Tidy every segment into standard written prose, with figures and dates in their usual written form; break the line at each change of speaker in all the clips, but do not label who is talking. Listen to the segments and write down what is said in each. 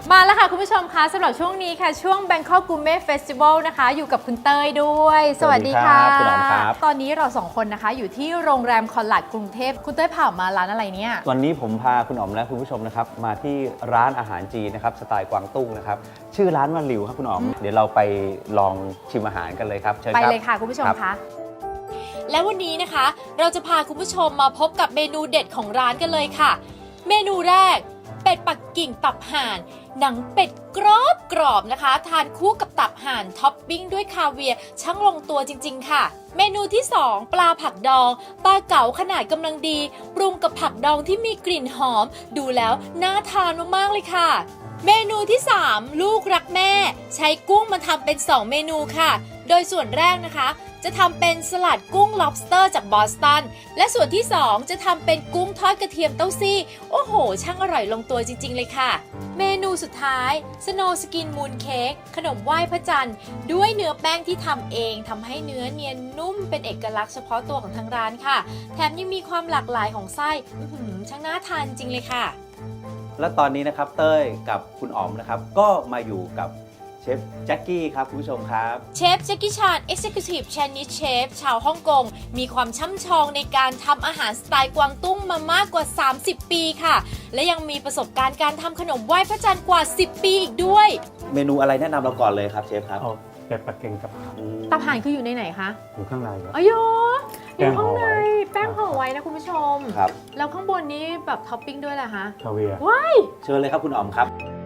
มาแล้วค่ะคุณผู้ชมคะสำหรับช่วงนี้ค่ะช่วง Bangkok Gourmet Festival นะคะอยู่กับคุณเต้ยด้วยสวัสดีค่ะ
คุณอ๋อมครับ
ตอนนี้เราสองคนนะคะอยู่ที่โรงแรมคอนลัดกรุงเทพคุณเต้ยผ่ามาร้านอะไรเนี่ย
วันนี้ผมพาคุณอ๋อมและคุณผู้ชมนะครับมาที่ร้านอาหารจีนนะครับสไตล์กวางตุ้งนะครับชื่อร้านว่าหลิวครับคุณอ๋อมเดี๋ยวเราไปลองชิมอาหารกันเลยครับเชิญ
ไป
ครับ
เลยค่ะคุณผู้ชม
รับ
คะและวันนี้นะคะเราจะพาคุณผู้ชมมาพบกับเมนูเด็ดของร้านกันเลยค่ะ เมนูแรกเป็ดปักกิ่งตับห่านหนังเป็ดกรอบนะคะทานคู่กับตับห่านท็อปปิ้งด้วยคาเวียร์ช่างลงตัวจริงๆค่ะเมนูที่ 2 ปลาผักดองปลาเก๋าขนาดกำลังดีปรุงกับผักดองที่มีกลิ่นหอมดูแล้วน่าทานมากๆเลยค่ะเมนูที่ 3 ลูกรักแม่ใช้กุ้งมาทำเป็น 2 เมนูค่ะโดยส่วนแรกนะคะจะทำเป็นสลัดกุ้ง lobster จากบอสตันและส่วนที่ 2 จะทำเป็นกุ้งทอดกระเทียมเต้าซี่โอ้โหช่างอร่อยลงตัวจริงๆเลยค่ะเมนูสุดท้าย Snow Skin Moon Cake ขนมไหว้พระจันทร์ด้วยเนื้อแป้งที่ทำเองทำให้เนื้อเนียนนุ่มเป็นเอกลักษณ์เฉพาะตัวของทางร้านค่ะแถมยังมีความหลากหลายของไส้ช่างน่าทานจริงเลยค่ะ
และตอนนี้นะครับเต้ยกับคุณอ๋อมนะครับก็มาอยู่กับเชฟแจ็คกี้ครับคุณผู้ชมครับ
เชฟแจ็คกี้ชาน Executive Chinese Chef ชาวฮ่องกงมีความช่ำชองในการทำอาหารสไตล์กวางตุ้งมามากกว่า 30 ปีค่ะ และยังมีประสบการณ์การทำขนมไหว้พระจันทร์กว่า 10 ปีอีกด้วย
เมนูอะไรแนะนำเราก่อนเลยครับเชฟครับ
เอาเป็ดปักกิ่งกับ
ตับห่านคืออยู่ในไหนคะ
อยู่ข้างในครับ
อ๋อยอยู่ข้างใน
แป้งห่อไว้
แป้งห่อไว้นะคุณผู้ชม
ครับ
แล้วข้างบนนี้แบบท็อปปิ้งด้วยแหละคะ
คาเวียร์
ว้าย
เชิญเลยครับคุณอ๋อมครับ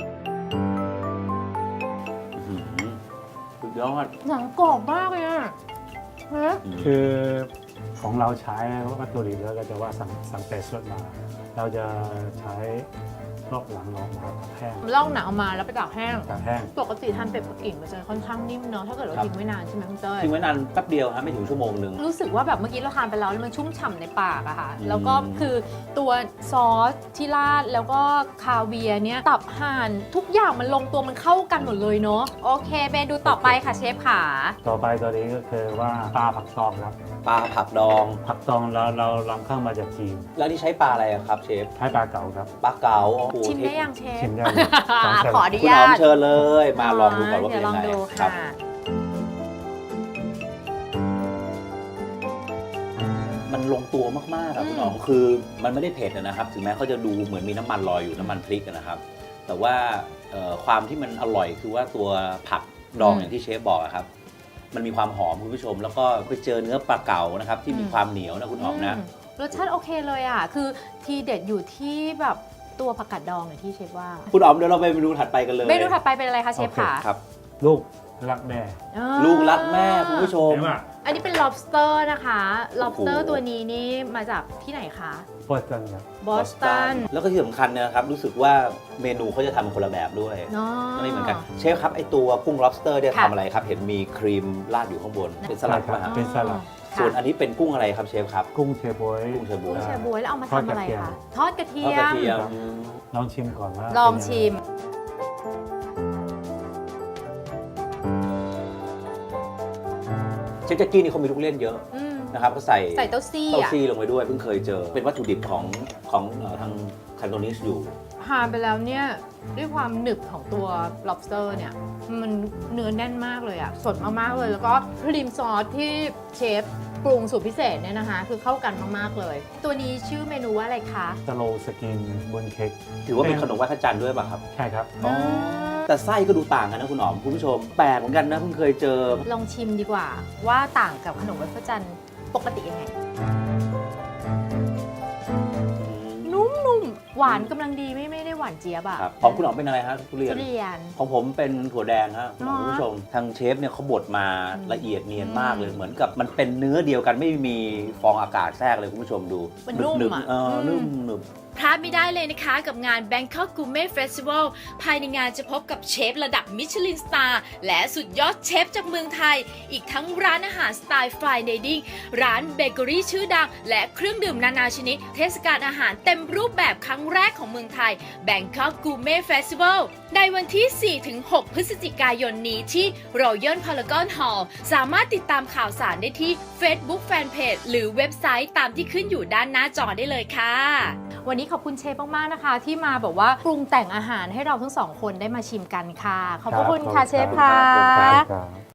อื้อหือสุดยอด
หนังกรอบมากเลยอะฮะ
คือของเราใช้วัตถุดิบแล้วก็จะว่าสั่งเป็ดสดมา เราจะใช้รอบหลังออกมาแห้ง
ลอกหนังออกมาแล้วไปตากแห้ง
ตากแห้ง
ปกติทานเป็ดปักกิ่งมันจะค่อนข้างนิ่มเนาะถ้าเกิดเราทิ้งไว้นานใช่ไหมคุณเต้ย
ทิ้งไว้นานแป๊บเดียวฮะไม่ถึงชั่วโมงหนึ่ง
รู้สึกว่าแบบเมื่อกี้เราทานไปแล้วมันชุ่มฉ่ำในปากอะค่ะ
อืม
แล้วก็คือตัวซอสที่ราดแล้วก็คาเวียร์เนี้ยตับห่านทุกอย่างมันลงตัวมันเข้ากันหมดเลยเนาะโอเคเมนูต่อไปค่ะเชฟขา
ต่อไปตัวนี้ก็คือว่าปลาผักตองครับ
ปลาผักดอง
ผักตองเรานำเข้ามาจากจีน
แล้วนี่ใช้ปลาอะไรอะครับเชฟ
ใช้ปลาเก๋าครับ
ปลาเก๋าโอ้โห
ชิมได้ยังเชฟ
ชิมได้เลยสองเส้น
ขออนุ
คุณ
ญา
อ๋อม
ต
เชิญเลย มาลองดูก่อนว่าเป็น
เดี๋ยวล
ยั
อง
งไง
ดู
ครั
ค่ะ
มันลงตัวมากๆอะคุณอ๋อมคือมันไม่ได้เผ็ดนะครับ ถึงแม้เขาจะดูเหมือนมีน้ำมันลอยอยู่น้ำมันพริกนะครับ แต่ว่าความที่มันอร่อยคือว่าตัวผักดองอย่างที่เชฟบอกอะครับ มันมีความหอมคุณผู้ชม แล้วก็ไปเจอเนื้อปลาเก๋านะครับที่มีความเหนียวนะคุณอ๋อมนะ
รสชาติโอเคเลยอ่ะ คือทีเด็ดอยู่ที่แบบตัวผักกาดดองอย่างที่เชฟว่า
คุณอ๋อมเดี๋ยวเราไปเมนูถัดไปกันเลย
เมนูถัดไปเป็นอะไรคะเชฟ
โอเค
ขา
ครับ
ลูกรักแม่
อ่า
ลูกรักแม่คุณผู้ชม
เห็นไหม
อันนี้เป็น lobster นะคะ lobster
โอ้โห
ตัวนี้นี่มาจากที่ไหนคะ
โปสตันครับ
บอสตัน
แล้วก็ที่สำคัญเนยนะครับรู้สึกว่าเมนูเขาจะทำคนละแบบด้วย
เนาะ
ไม่เหมือนกันเชฟครับไอตัวกุ้ง lobster เนี่ย
ค่ะ
ทำอะไรครับ เห็นมีครีมราดอยู่ข้างบน เป็นสลัด
ใช่
ป่ะ
ครั
ฮะ
บ เป็นสลัด
ค่ะ
ส่วนอันนี้เป็นกุ้งอะไรครับเชฟครับ
กุ้งเชฟบวย
กุ้งเชฟบวย
กุ้งแชบวยแล้วเอามา
ทอด
ทำอะไร
กระเทียม
คะ ทอดกระเที
ทอด
ย
กระ
ม
เทียม
ลองชิมก่อนว่า
ลอง
เป็นยัไ
ชิม
เชฟแจ็กกี้นี่เขามีลูกเล่นเยอะ
อืม
นะครับก็ใส่
ใส่เต้าซี่
เต้า
อ่ะ
ซี่ลงไปด้วยเพิ่งเคยเจอ เป็นวัตถุดิบของทางคันโตนิสอยู่
ทานไปแล้วเนี่ยด้วยความหนึบของตัว lobster เนี่ยมันเนื้อแน่นมากเลยอะสดมากๆเลย แล้วก็ครีมซอสที่เชฟปรุงสูตรพิเศษเนี่ยนะคะคือเข้ากันมากๆเลย ตัวนี้ชื่อเมนูว่าอะไรคะ
สโลสกินบนเค้ก
ถือว่าเป็นขนมไหว้พระจันทร์ด้วยป่ะครับ
ใช่ครับ
อ๋อ แต่ไส้ก็ดูต่างกันนะคุณอ๋อมคุณผู้ชมแปลกเหมือนกันนะเพิ่งเคยเจอ
ลองชิมดีกว่าว่าต่างกับขนมไหว้พระจันทร์ปกติยังไง นุ่มๆ หวานกำลังดีไม่ได้หวานเจี๊ยบอะ
ครับของคุณอ๋อมเป็นอะไรฮะทุเรียน
ทุเรียน
ของผมเป็นถั่วแดงฮะ
อ๋อ
คุณผู้ชมทางเชฟเนี่ยเขาบดมา
อืม
ละเอียดเนียนมากเลยเหมือนกับมันเป็นเนื้อเดียวกันไม่มีฟองอากาศแทรกเลยคุณผู้ชมดู
มันนุ่ม
หนึบ
อะ
ๆนุ่มหนึบ
พลาดไม่ได้เลยนะคะกับงาน Bangkok Gourmet Festival ภายในงานจะพบกับเชฟระดับมิชลินสตาร์และสุดยอดเชฟจากเมืองไทย อีกทั้งร้านอาหารสไตล์ Fine Dining ร้านเบเกอรี่ชื่อดัง และเครื่องดื่มนานาชนิด เทศกาลอาหารเต็มรูปแบบครั้งแรกของเมืองไทย Bangkok Gourmet Festival ในวันที่ 4-6 พฤศจิกายนนี้ที่ Royal Paragon Hall สามารถติดตามข่าวสารได้ที่ Facebook Fanpage หรือเว็บไซต์ตามที่ขึ้นอยู่ด้านหน้าจอได้เลยค่ะ วันนี้ขอบคุณเชฟมากๆนะคะ ที่มาแบบว่าปรุงแต่งอาหารให้เราทั้งสองคนได้มาชิมกันค่ะ ขอบพระคุณค่ะเชฟค่ะ
ครับ